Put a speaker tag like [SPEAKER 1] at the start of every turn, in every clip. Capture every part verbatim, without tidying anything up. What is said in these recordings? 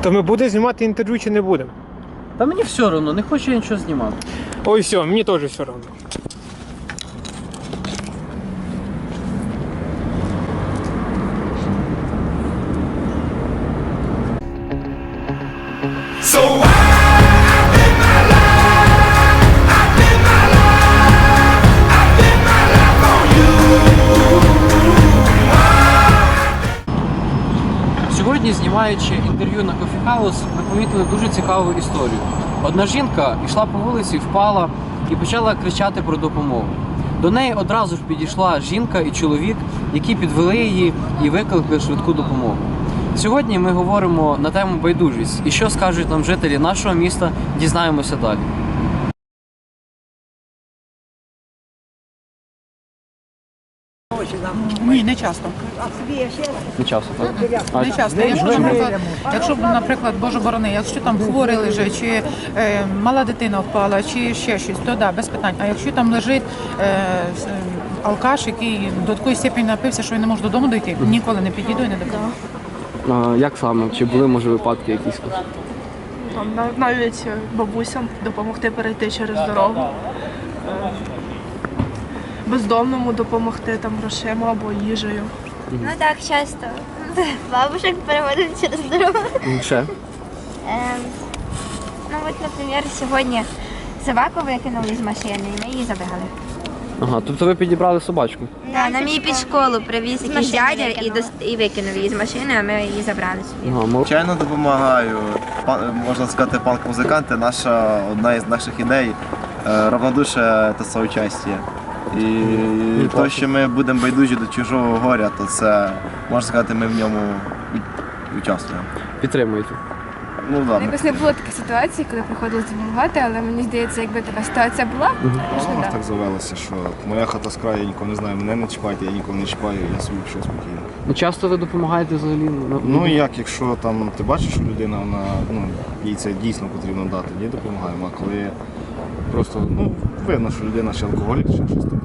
[SPEAKER 1] То ми будемо знімати інтерв'ю чи не будемо?
[SPEAKER 2] Та мені все одно, не хочу я нічого знімати.
[SPEAKER 1] Ой, все, мені теж все одно.
[SPEAKER 3] So I, I live my life, I live my life, I live my life on you.
[SPEAKER 2] Сьогодні, знімаючи інтерв'ю на Coffee House, ми помітили дуже цікаву історію. Одна жінка йшла по вулиці, впала і почала кричати про допомогу. До неї одразу ж підійшла жінка і чоловік, які підвели її і викликали швидку допомогу. Сьогодні ми говоримо на тему байдужість. І що скажуть нам жителі нашого міста, дізнаємося далі.
[SPEAKER 4] Ні, не часто.
[SPEAKER 2] Не часто, так?
[SPEAKER 4] Не часто. Якщо, наприклад, якщо, наприклад, Боже борони, якщо там хворий лежить, чи е, мала дитина впала, чи ще щось, то да, без питань. А якщо там лежить е, с- алкаш, який до такої степені напився, що він не може додому дойти, ніколи не підійду і не допоможу.
[SPEAKER 2] А, як саме? Чи були, може, випадки якісь?
[SPEAKER 5] Там нав- навіть бабусям допомогти перейти через дорогу, е, бездомному допомогти там грошима або їжею.
[SPEAKER 6] Ну так, часто. Бабушек переводять через дорогу.
[SPEAKER 2] Ще?
[SPEAKER 6] Ем, ну от, наприклад, сьогодні собаку викинули з машини і ми її забрали.
[SPEAKER 2] Ага, тобто ви підібрали собачку?
[SPEAKER 6] Да, нам її під школу привіз якийсь дядя і, дос- і викинув її з машини, а ми її забрали собі.
[SPEAKER 2] Ага, мол...
[SPEAKER 7] Звичайно, допомагаю. Пан- можна сказати, панк-музиканти, наша одна із наших ідей е, равнодуше та соучастя. І те, що ми будемо байдужі до чужого горя, то це, можна сказати, ми в ньому у- участвуємо.
[SPEAKER 2] Підтримуєте?
[SPEAKER 7] Ну, да, ми-
[SPEAKER 8] Якось не було таких ситуацій, коли приходилось допомагати, але мені здається, якби така ситуація була,
[SPEAKER 9] У
[SPEAKER 8] можливо,
[SPEAKER 9] нас
[SPEAKER 8] так.
[SPEAKER 9] так завелося, що моя хата з краю, я нікого не знаю, мене не чіпайте, я нікого не чіпаю, я собі пішов спокійно.
[SPEAKER 2] Ну, часто ви допомагаєте взагалі?
[SPEAKER 9] Ну і як, якщо там ти бачиш, що людина, вона, ну, їй це дійсно потрібно дати, тоді допомагаємо. А коли просто, ну, видно, що людина ще алкоголік, ще щось таке.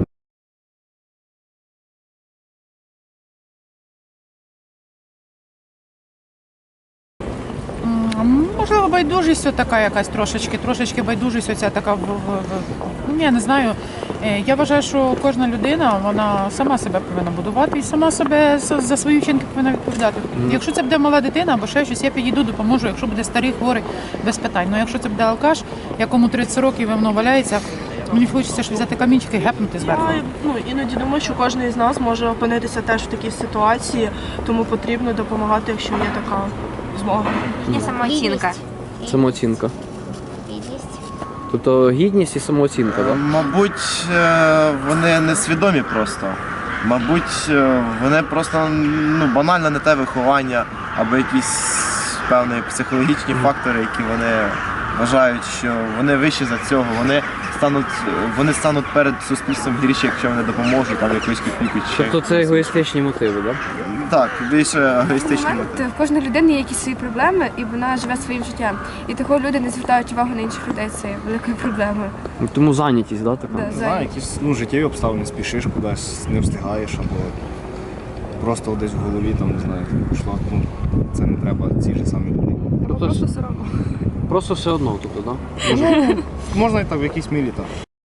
[SPEAKER 4] М, Можливо, байдужість така якась трошечки, трошечки байдужість оця така, в- в- в- ну, я не знаю. Е, Я вважаю, що кожна людина, вона сама себе повинна будувати і сама себе за за свої вчинки повинна відповідати. Якщо це буде мала дитина або ще щось, я підійду, допоможу. Якщо буде старий, хворий, без питань. Ну якщо це буде алкаш, якому тридцять років і воно валяється, мені хочеться ж взяти камінчик і гепнути зверху.
[SPEAKER 5] Я ну, іноді думаю, що кожен із нас може опинитися теж в такій ситуації, тому потрібно допомагати, якщо є така змога.
[SPEAKER 6] Є самооцінка.
[SPEAKER 2] Самооцінка.
[SPEAKER 6] Гідність.
[SPEAKER 2] Тобто гідність і самооцінка, так?
[SPEAKER 7] Мабуть, е, вони несвідомі просто. Мабуть, е, вони просто ну, банально не те виховання, або якісь певні психологічні фактори, які вони вважають, що вони вищі за цього, вони стануть, вони стануть перед суспільством гірші, якщо вони допоможуть там якоюсь копійку чи ще.
[SPEAKER 2] Тобто це егоїстичні мотиви, так?
[SPEAKER 7] Так, більше егоїстичні
[SPEAKER 8] Момент,
[SPEAKER 7] мотиви.
[SPEAKER 8] в кожної людини є якісь свої проблеми, і вона живе своїм життям. І такого люди не звертають увагу на інших людей, це є великою проблемою.
[SPEAKER 2] Тому зайнятість, так, така?
[SPEAKER 8] Да,
[SPEAKER 9] Не
[SPEAKER 8] за-
[SPEAKER 9] знаю, якісь ну, життєві обставини, спішиш кудись, не встигаєш, або просто десь в голові, там, не знаю, пішло, ну, це не треба цій же самій людині.
[SPEAKER 2] Тобто, просто все одно. Просто все одно, тобто, так?
[SPEAKER 9] Ну, можна і так в якійсь мірі так.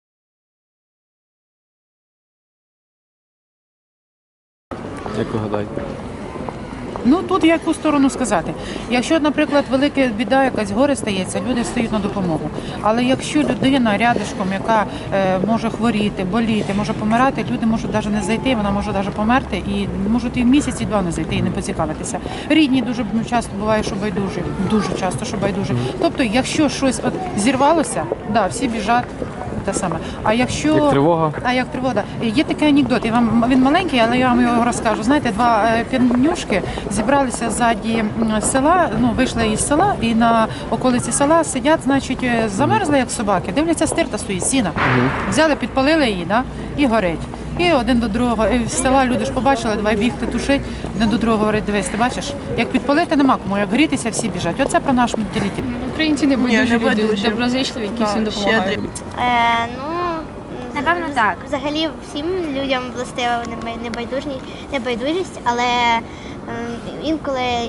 [SPEAKER 2] Як ви гадаєте?
[SPEAKER 4] Ну тут яку сторону сказати. Якщо, наприклад, велика біда, якась горе стається, люди стають на допомогу. Але якщо людина рядишком, яка е, може хворіти, боліти, може помирати, люди можуть навіть не зайти, вона може навіть померти і можуть і в місяць, і два не зайти і не поцікавитися. Рідні дуже ну, часто буває, що байдужі, дуже часто, що байдужі. Тобто, якщо щось от зірвалося, да, всі біжать. Те саме. А якщо
[SPEAKER 2] Як тривога?
[SPEAKER 4] А як тривога? Є такий анекдот. Я вам він маленький, але я вам його розкажу. Знаєте, два е, півнюшки зібралися ззаді м, села. Ну вийшли із села і на околиці села сидять, значить, е, замерзли як собаки. Дивляться, стирта стоїть, сіна. Взяли, підпалили її, да, і горить. І один до другого, і з села люди ж побачили, давай бігти, тушить, один до другого говорить, дивись, ти бачиш, як підпалити нема кому, як грітися, всі біжать. Оце про наш менталітет.
[SPEAKER 8] Українці не
[SPEAKER 5] Ні,
[SPEAKER 8] байдужі
[SPEAKER 5] не
[SPEAKER 8] люди,
[SPEAKER 5] байдужі.
[SPEAKER 8] доброзичливі, які
[SPEAKER 5] Так,
[SPEAKER 8] всім допомагають.
[SPEAKER 5] щедрі.
[SPEAKER 6] Е, ну, Напевно, так.
[SPEAKER 10] Взагалі всім людям властива небайдужність, небайдужість, але ем, інколи і-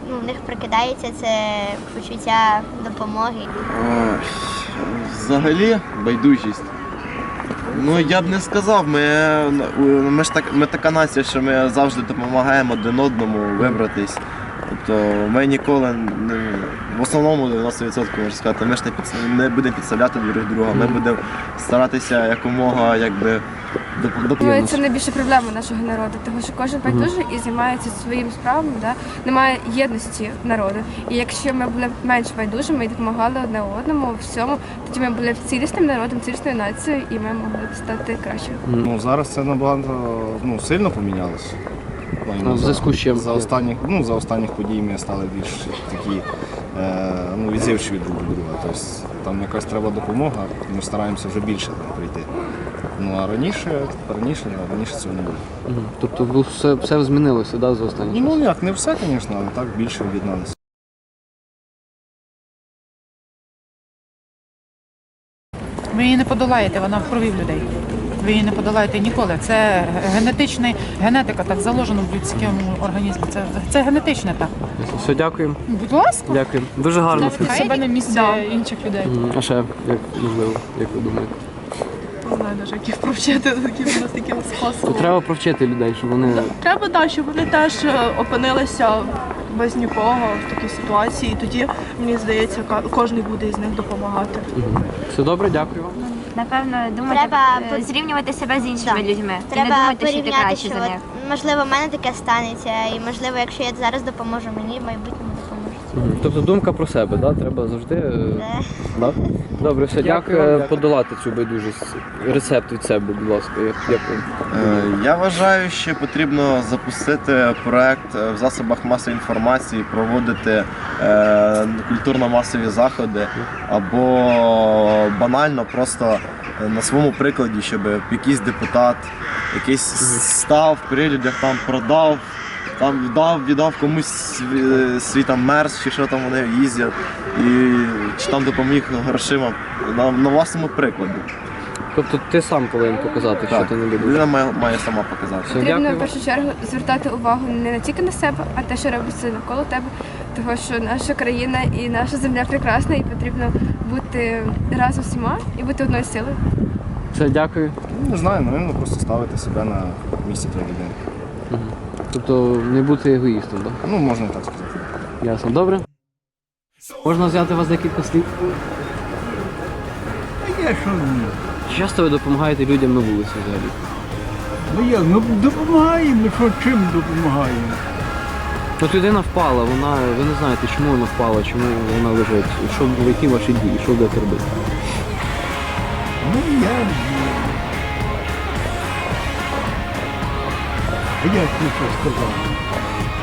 [SPEAKER 10] ну, в них прокидається це почуття допомоги.
[SPEAKER 7] Ой, взагалі байдужість. Ну я б не сказав, ми, ми ж так, ми така нація, що ми завжди допомагаємо один одному вибратись. Тобто ми ніколи не, в основному дев'яносто відсотків можна сказати, ми ж не, під, не будемо підставляти друг друга, ми будемо старатися якомога якби
[SPEAKER 8] Думаю,
[SPEAKER 7] допомогти.
[SPEAKER 8] це найбільша проблема нашого народу, тому що кожен байдужий і займається своїм справами, да? Немає єдності народу. І якщо ми були б менш байдужими і допомагали одне одному у всьому, тоді ми були б цілісним народом, цілісною нацією, і ми могли б стати кращими.
[SPEAKER 9] Ну, зараз це набагато ну, сильно помінялося.
[SPEAKER 2] А в зв'язку з чим?
[SPEAKER 9] За останніх, ну, за останніх подій ми стали більш такі е, ну, відзивчиві друг до друга. Тобто там якась треба допомога, ми стараємося вже більше там, прийти. Ну а раніше, раніше, раніше цього не було.
[SPEAKER 2] Мгм. Тобто ну, все, все змінилося, да, за останній час?
[SPEAKER 9] Ну як, не все, звісно, але так більше об'єдналися.
[SPEAKER 4] Ви її не подолаєте, вона в крові в людей. Ви її не подолаєте ніколи. Це генетичний, генетика так заложена в людському організмі. Це, це генетичне так.
[SPEAKER 2] Все, дякуємо.
[SPEAKER 4] Будь ласка.
[SPEAKER 2] Дякую. Дуже гарно.
[SPEAKER 5] Себе на місці інших людей.
[SPEAKER 2] Мгм. А ще, як можливо, як ви думаєте?
[SPEAKER 5] Не знаю навіть, як їх провчити таким таким
[SPEAKER 2] То
[SPEAKER 5] способом.
[SPEAKER 2] треба провчити людей, щоб вони.
[SPEAKER 5] Треба, так, щоб вони теж е, опинилися без нікого в такій ситуації, і тоді, мені здається, ка- кожен буде із них допомагати.
[SPEAKER 2] Мгм. Все добре, дякую вам.
[SPEAKER 6] Напевно, думати,
[SPEAKER 10] Треба
[SPEAKER 6] е,
[SPEAKER 10] по-
[SPEAKER 6] зрівнювати себе з іншими
[SPEAKER 10] Так.
[SPEAKER 6] людьми. І не
[SPEAKER 10] Треба
[SPEAKER 6] думати, що ти
[SPEAKER 10] порівняти,
[SPEAKER 6] краще
[SPEAKER 10] що
[SPEAKER 6] за
[SPEAKER 10] от,
[SPEAKER 6] них.
[SPEAKER 10] можливо, в мене таке станеться, і можливо, якщо я зараз допоможу мені, в майбутньому допоможуть.
[SPEAKER 2] Мгм. Тобто думка про себе, да? Треба завжди. е,
[SPEAKER 10] Да.
[SPEAKER 2] Да? Добре, все,
[SPEAKER 1] Дякую
[SPEAKER 2] дякую.
[SPEAKER 1] вам,
[SPEAKER 2] Е,
[SPEAKER 1] дякую.
[SPEAKER 2] Подолати цю байдужість. Рецепт від себе, будь ласка. Як, як ви
[SPEAKER 7] Е, Я вважаю, що потрібно запустити проект в засобах масової інформації, проводити е, культурно-масові заходи або банально просто на своєму прикладі, щоб якийсь депутат якийсь став при людях там продав, там віддав, віддав комусь свій, свій там мерз, чи що там вони їздять, і чи там допоміг грошима на, на власному прикладі.
[SPEAKER 2] Тобто ти сам повинен показати, що
[SPEAKER 7] Так,
[SPEAKER 2] ти не любиш.
[SPEAKER 7] людина має, має сама показати.
[SPEAKER 2] Все,
[SPEAKER 8] Потрібно
[SPEAKER 2] дякую.
[SPEAKER 8] в першу чергу звертати увагу не тільки на себе, а те, що робиться навколо тебе. Тому що наша країна і наша земля прекрасна, і потрібно бути разом всіма і бути одною силою.
[SPEAKER 2] Все, дякую.
[SPEAKER 9] Ну, не знаю, напевно, просто ставити себе на місце тієї людини.
[SPEAKER 2] Мгм. Тобто не бути егоїстом, так?
[SPEAKER 9] Ну, можна і так сказати.
[SPEAKER 2] Ясно. Добре. Можна взяти у вас декілька слів?
[SPEAKER 11] Я що ні?
[SPEAKER 2] Чи часто ви допомагаєте людям на вулиці взагалі?
[SPEAKER 11] Ну як, ну допомагаємо, що чим допомагаємо?
[SPEAKER 2] От людина впала, вона, ви не знаєте, чому вона впала, чому вона лежить, що, які ваші дії, що будете робити?
[SPEAKER 11] Ну я... А як ти що сказав?